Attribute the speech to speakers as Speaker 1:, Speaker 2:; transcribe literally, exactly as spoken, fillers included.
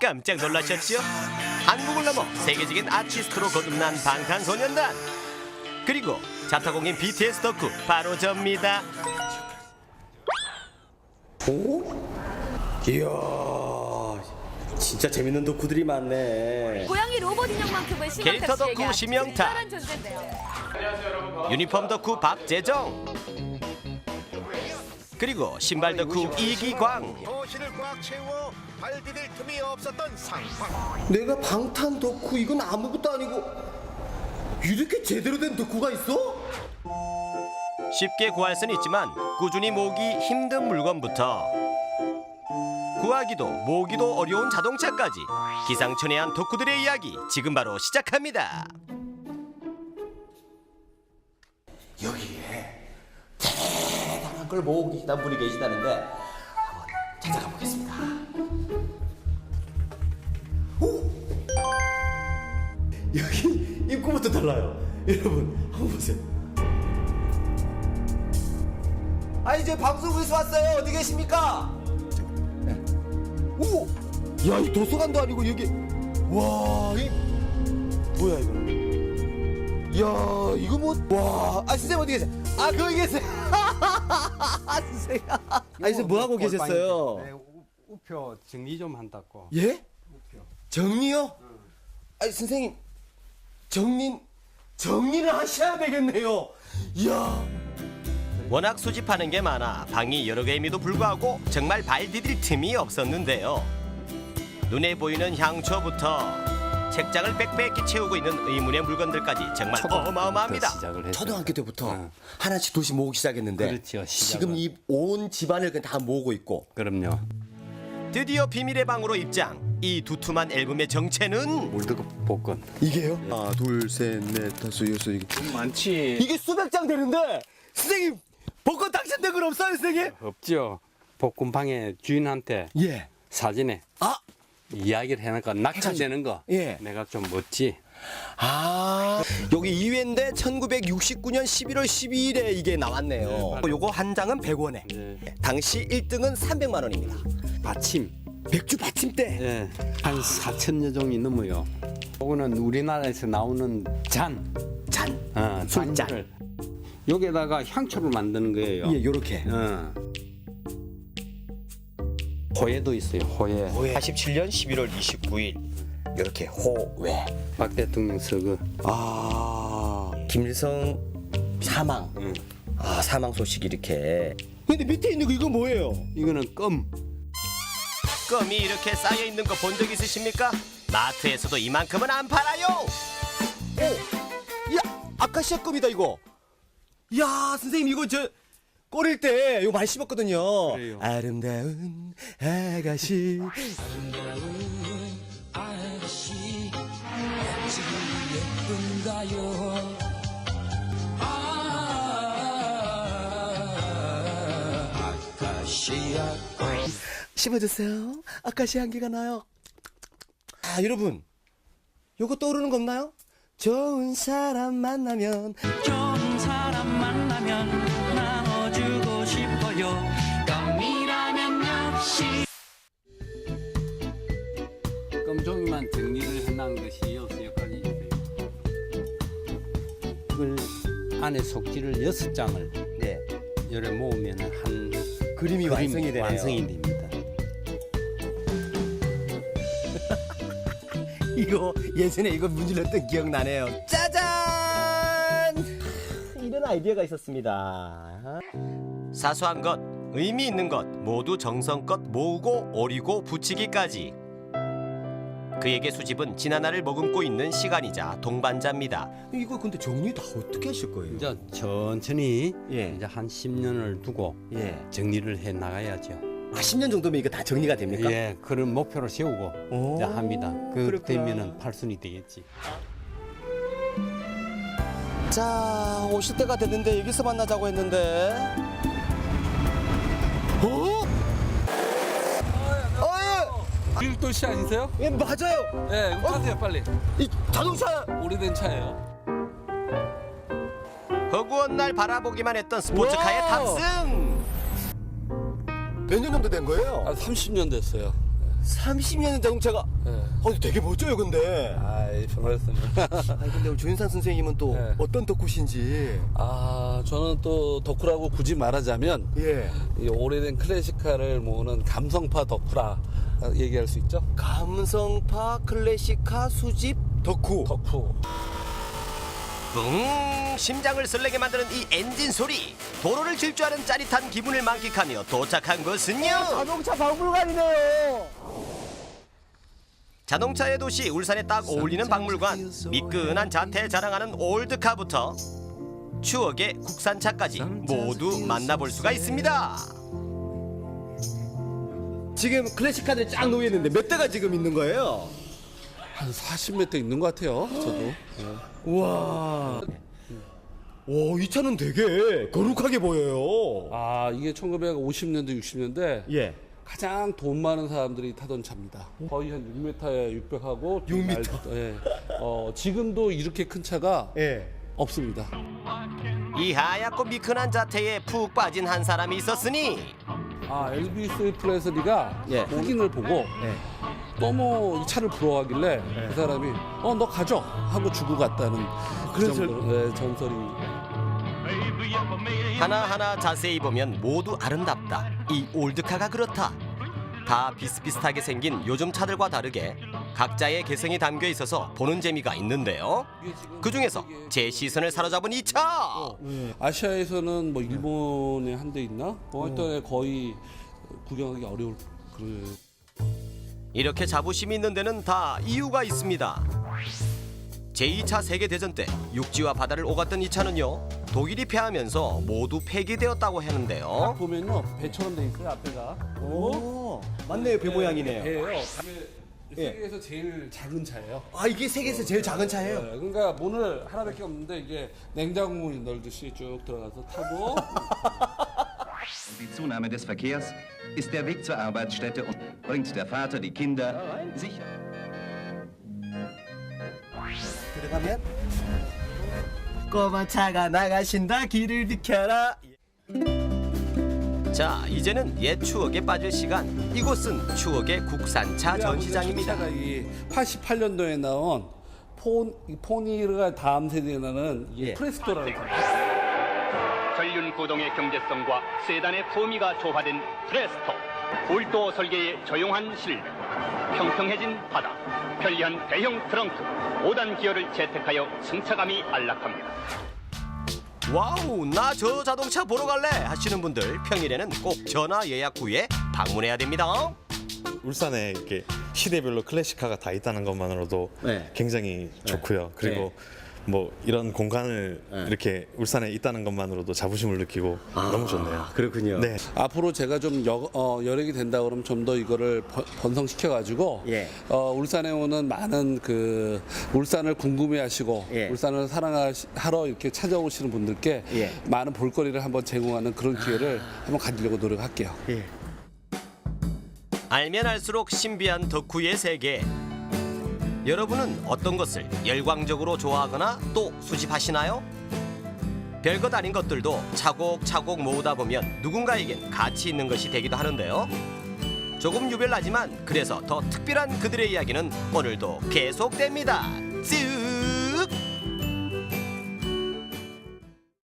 Speaker 1: 깜짝 놀라셨죠? 한국을 넘어 세계적인 아티스트로 거듭난 방탄소년단, 그리고 자타공인 비티에스 덕후 바로 접니다.
Speaker 2: 오? 이야, 진짜 재밌는 덕후들이 많네.
Speaker 3: 고양이 로봇 인형만큼은
Speaker 1: 캐릭터
Speaker 3: 심영탁 씨에게
Speaker 1: 덕후
Speaker 3: 아주
Speaker 1: 심영탁,
Speaker 3: 특별한 존재인데요.
Speaker 1: 유니폼 덕후 박재정, 그리고 신발 덕후 이기광.
Speaker 4: 도시를 꽉 채워 발 디딜 틈이 없었던 상황.
Speaker 2: 내가 방탄 덕후 이건 아무것도 아니고 이렇게 제대로 된 덕후가 있어?
Speaker 1: 쉽게 구할 수는 있지만 꾸준히 모으기 힘든 물건부터 구하기도 모으기도 어려운 자동차까지 기상천외한 덕후들의 이야기 지금 바로 시작합니다.
Speaker 2: 여기에 대단한 걸 모으고 계시다 분이 계시다는데 한번 찾아가 보겠습니다. 오! 여기 입구부터 달라요. 여러분 한번 보세요. 아 이제 방송국에서 왔어요. 어디 계십니까? 네. 오! 야, 이 도서관도 아니고 여기 와, 이 뭐야 이거? 야, 이거 뭐? 와, 아 선생님 어디 계세요? 아 거기 계세요. 선생님. 아 선생님 뭐 하고 계셨어요?
Speaker 5: 네, 우- 우표 정리 좀 한다고.
Speaker 2: 예? 정리요? 아니 선생님 정리 정리를 하셔야 되겠네요. 이야.
Speaker 1: 워낙 수집하는 게 많아 방이 여러 개임에도 불구하고 정말 발 디딜 틈이 없었는데요. 눈에 보이는 향초부터 책장을 빽빽히 채우고 있는 의문의 물건들까지 정말 어마어마합니다.
Speaker 5: 시작을 했죠.
Speaker 2: 초등학교 때부터
Speaker 5: 어.
Speaker 2: 하나씩 도씩 모으기 시작했는데
Speaker 5: 그렇죠, 시작은.
Speaker 2: 지금 이 온 집안을 그냥 다 모으고 있고.
Speaker 5: 그럼요.
Speaker 1: 드디어 비밀의 방으로 입장. 이 두툼한 앨범의 정체는
Speaker 5: 물드급 복권.
Speaker 2: 이게요? 하나 둘셋넷 다섯 여섯 이게
Speaker 5: 많지.
Speaker 2: 이게 수백 장 되는데 선생님 복권 당첨된 건 없어요 선생님?
Speaker 5: 없죠. 복권방의 주인한테
Speaker 2: 예.
Speaker 5: 사진에
Speaker 2: 아,
Speaker 5: 이야기를 해놓고 낙찰되는 거.
Speaker 2: 예.
Speaker 5: 내가 좀 멋지.
Speaker 2: 아 여기 이 회인데 천구백육십구 년 십일월 십이일에 이게 나왔네요.
Speaker 5: 네, 맞아요.
Speaker 2: 요거 한 장은 백 원에
Speaker 5: 네.
Speaker 2: 당시 일 등은 삼백만 원입니다.
Speaker 5: 받침.
Speaker 2: 백주 받침대.
Speaker 5: 예. 한 사천여 종이 넘어요. 요거는 우리나라에서 나오는 잔.
Speaker 2: 잔.
Speaker 5: 어,
Speaker 2: 술잔.
Speaker 5: 잔을 여기다가 향초를 만드는 거예요.
Speaker 2: 예, 요렇게.
Speaker 5: 어. 호예도 있어요. 호예.
Speaker 2: 팔십칠 년 십일월 이십구일 이렇게 호외.
Speaker 5: 박 대통령 서거.
Speaker 2: 아 김일성 사망.
Speaker 5: 응.
Speaker 2: 아 사망 소식 이렇게. 근데 밑에 있는 거 이거 뭐예요?
Speaker 5: 이거는 껌.
Speaker 1: 껌이 이렇게 쌓여 있는 거 본 적 있으십니까? 마트에서도 이만큼은 안 팔아요.
Speaker 2: 오, 야 아카시아 껌이다 이거. 야 선생님 이거 저 꼬릴 때 이거 많이 씹었거든요.
Speaker 5: 그래요.
Speaker 2: 아름다운 아가씨. 씹어주세요. 아카시아 향기가 나요. 아 여러분, 요거 떠오르는 거 없나요? 좋은 사람 만나면
Speaker 6: 좋은 사람 만나면 나눠주고 싶어요. 껌이라면 역시
Speaker 5: 껌종이만 정리를 해놓은 것이 여기서 여기까지 있어요. 이걸 안에 속지를 여섯 장을
Speaker 2: 네
Speaker 5: 열에 모으면 한
Speaker 2: 그림이
Speaker 5: 그림이
Speaker 2: 완성이 되네요.
Speaker 5: 완성이 됩니다.
Speaker 2: 이거 예전에 이거 문질렀던 기억 나네요. 짜잔! 이런 아이디어가 있었습니다.
Speaker 1: 사소한 것, 의미 있는 것 모두 정성껏 모으고 오리고 붙이기까지. 그에게 수집은 지난날을 머금고 있는 시간이자 동반자입니다.
Speaker 2: 이거 근데 정리 다 어떻게 하실 거예요?
Speaker 5: 이제 천천히
Speaker 2: 예.
Speaker 5: 이제 한 십 년을 두고
Speaker 2: 예.
Speaker 5: 정리를 해 나가야죠.
Speaker 2: 아, 십 년 정도면 이거 다 정리가 됩니까?
Speaker 5: 예, 그런 목표를 세우고
Speaker 2: 오,
Speaker 5: 이제 합니다. 그
Speaker 2: 그렇구나.
Speaker 5: 되면은 팔순이 되겠지.
Speaker 2: 자, 오실 때가 됐는데 여기서 만나자고 했는데. 어? 어,
Speaker 7: 일도시 아니세요?
Speaker 2: 예. 예, 맞아요.
Speaker 7: 네, 이거 타세요 빨리.
Speaker 2: 이 자동차.
Speaker 7: 오래된 차예요.
Speaker 1: 허구한 날 바라보기만 했던 스포츠카의
Speaker 2: 와우.
Speaker 1: 탑승.
Speaker 2: 몇 년 정도 된 거예요?
Speaker 7: 아, 삼십 년 됐어요.
Speaker 2: 삼십 년의 자동차가
Speaker 7: 네.
Speaker 2: 어, 되게 멋져요 근데.
Speaker 7: 아이, 변호했습니다.
Speaker 2: 아니 근데 우리 조윤상 선생님은 또
Speaker 7: 네.
Speaker 2: 어떤 덕후신지.
Speaker 7: 아, 저는 또 덕후라고 굳이 말하자면
Speaker 2: 예.
Speaker 7: 이 오래된 클래식카를 모으는 감성파 덕후라 얘기할 수 있죠?
Speaker 2: 감성파 클래식카 수집 덕후.
Speaker 7: 덕후.
Speaker 1: 뿡 심장을 설레게 만드는 이 엔진 소리. 도로를 질주하는 짜릿한 기분을 만끽하며 도착한 곳은요,
Speaker 2: 자동차 박물관이네요.
Speaker 1: 자동차의 도시 울산에 딱 어울리는 박물관. 미끈한 자태 자랑하는 올드카부터 추억의 국산차까지 모두 만나볼 수가 있습니다.
Speaker 2: 지금 클래식카들이 쫙 놓여 있는데 몇 대가 지금 있는 거예요?
Speaker 7: 한 사십 몇 대 있는 것 같아요, 저도.
Speaker 2: 우와. 오, 이 차는 되게 거룩하게 보여요.
Speaker 7: 아, 이게 천구백오십 년대, 육십 년대
Speaker 2: 예.
Speaker 7: 가장 돈 많은 사람들이 타던 차입니다. 거의 한 육 미터에 육백하고
Speaker 2: 육 미터?
Speaker 7: 예. 어, 지금도 이렇게 큰 차가
Speaker 2: 예.
Speaker 7: 없습니다.
Speaker 1: 이 하얗고 미끈한 자태에 푹 빠진 한 사람이 있었으니
Speaker 7: 아, 엘비스 프레슬리가
Speaker 2: 예.
Speaker 7: 흑인을 보고
Speaker 2: 예.
Speaker 7: 너무 이 차를 부러워하길래 그 사람이 어, 너 가져 하고 주고 갔다는 그
Speaker 2: 그런
Speaker 7: 정도로 예, 전설이.
Speaker 1: 하나하나 자세히 보면 모두 아름답다. 이 올드카가 그렇다. 다 비슷비슷하게 생긴 요즘 차들과 다르게 각자의 개성이 담겨 있어서 보는 재미가 있는데요. 그 중에서 제 시선을 사로잡은 이 차.
Speaker 7: 아시아에서는 뭐 일본에 한 대 있나? 뭐 하여튼 거의 구경하기 어려울 그런.
Speaker 1: 이렇게 자부심이 있는 데는 다 이유가 있습니다. 제이 차 세계대전 때 육지와 바다를 오갔던 이 차는요, 독일이 패하면서 모두 폐기되었다고 하는데요.
Speaker 7: 보면요, 배처럼 돼 있어요, 앞에가.
Speaker 2: 오, 맞네요. 배 모양이네요.
Speaker 7: 배예요. 배에
Speaker 2: 예.
Speaker 7: 세계에서 제일 작은 차예요.
Speaker 2: 아, 이게 세계에서 제일 작은 차예요?
Speaker 7: 네, 그러니까 문을 하나밖에 없는데 이게 냉장고문이 넓듯이 쭉 들어가서 타고.
Speaker 8: Die Zunahme des Verkehrs ist der Weg zur Arbeitsstätte und bringt der Vater die Kinder sicher.
Speaker 2: 들어가면 꼬마 차가 나가신다. 길을 비켜라.
Speaker 1: 자, 이제는 옛 추억에 빠질 시간. 이곳은 추억의 국산차 전시장입니다.
Speaker 7: 차가 이 팔십팔 년도에 나온 폰 포니르가 다음 세대에 나는 이
Speaker 2: 예.
Speaker 7: 프레스토라는 차.
Speaker 9: 전륜 구동의 경제성과 세단의 품위가 조화된 프레스토. 울도 설계의 조용한 실내, 평평해진 바닥, 편리한 대형 트렁크, 오 단 기어를 채택하여 승차감이 안락합니다.
Speaker 1: 와우, 나 저 자동차 보러 갈래 하시는 분들 평일에는 꼭 전화 예약 후에 방문해야 됩니다.
Speaker 10: 울산에 이렇게 시대별로 클래식카가 다 있다는 것만으로도
Speaker 2: 네.
Speaker 10: 굉장히 좋고요. 그리고 뭐 이런 공간을
Speaker 2: 네.
Speaker 10: 이렇게 울산에 있다는 것만으로도 자부심을 느끼고 너무 좋네요.
Speaker 2: 그렇군요.
Speaker 10: 네.
Speaker 7: 앞으로 제가 좀 여, 어, 여력이 된다 그러면 좀 더 이거를 번- 번성시켜 가지고
Speaker 2: 예.
Speaker 7: 어, 울산에 오는 많은 그 울산을 궁금해하시고
Speaker 2: 예.
Speaker 7: 울산을 사랑하러 이렇게 찾아오시는 분들께
Speaker 2: 예.
Speaker 7: 많은 볼거리를 한번 제공하는 그런 기회를 한번 가지려고 노력할게요.
Speaker 2: 예.
Speaker 1: 알면 알수록 신비한 덕후의 세계. 여러분은 어떤 것을 열광적으로 좋아하거나 또 수집하시나요? 별것 아닌 것들도 차곡차곡 모으다 보면 누군가에겐 가치 있는 것이 되기도 하는데요. 조금 유별나지만 그래서 더 특별한 그들의 이야기는 오늘도 계속됩니다. 쭉!